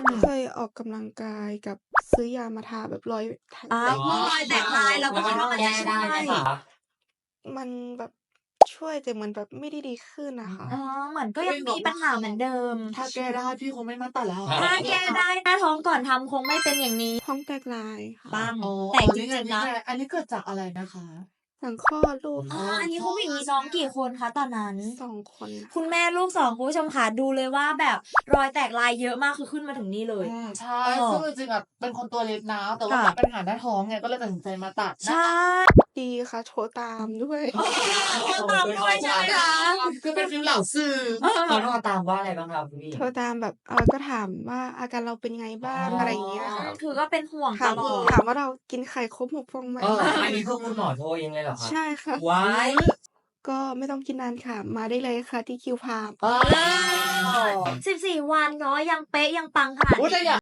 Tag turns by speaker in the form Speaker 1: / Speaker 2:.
Speaker 1: เคยออกกำลังกายกับซื้อยามาทาแบบรอย
Speaker 2: รอยแตกลายเราก็คิดว่ามันจะช่วย
Speaker 1: มันแบบช่วยแต่เหมือนแบบไม่ได้ดีขึ้นนะคะ
Speaker 2: เหมือนก็ยังมีปัญหาเหมือนเดิม
Speaker 3: ถ้าแก้ได้พี่คงไม่มาตัดแล้ว
Speaker 2: ถ้าแก้ได้หน้าท้องก่อนทำคงไม่เป็นอย่างนี้
Speaker 1: ท้องแตกลายค่ะ
Speaker 2: บ้าง
Speaker 3: อ๋อ
Speaker 2: แต่จ
Speaker 3: นี่
Speaker 2: ริงๆนะ
Speaker 3: อันนี้เกิดจากอะไรนะคะ
Speaker 1: หลังคลอดลูก
Speaker 2: อันนี้คุณผู้หญิงมีน้องกี่คนคะตอนนั้น
Speaker 1: 2 คนค่ะ
Speaker 2: คุณแม่ลูก2คุณผู้ชมค่ะดูเลยว่าแบบรอยแตกลายเยอะมากคือขึ้นมาถึงนี่เลย
Speaker 3: ใช่ซึ่งจริงๆอะเป็นคนตัวเล็กนะแต่ว่า
Speaker 2: ค่ะ
Speaker 3: ปัญหาหน้าท้องไงก็เลยตัดสินใจมาตัด
Speaker 2: ใช่
Speaker 1: ดีค่ะ โทรตามด้วย
Speaker 2: คนตามด้วยใช่ไหมคะ
Speaker 3: คือเป็นฟิลเหล่าสื่อ
Speaker 4: เขาโทรตามว่าอะไรบ้างครับพี่
Speaker 1: โทรตามแบบก็ถามว่าอาการเราเป็นไงบ้างอะไรอย่างเงี้ยค่ะ
Speaker 2: คือก็เป็นห่วง
Speaker 1: ถา
Speaker 2: ต
Speaker 1: ม
Speaker 2: ลอด
Speaker 1: ถามว่าเรากินไข่ครบ6 ฟองไหม
Speaker 4: อันนี้คือคุณหมอโทรเองเลยเหรอครับ
Speaker 1: ใช่ค่ะ
Speaker 4: ว้าย
Speaker 1: ก็ไม่ต้องกินนานค่ะ มาได้เลยค่ะที่คิวพาม
Speaker 2: 14 วันเนาะยังเป๊ะยังปังขนาด
Speaker 3: แต่
Speaker 2: นี้
Speaker 3: อยาก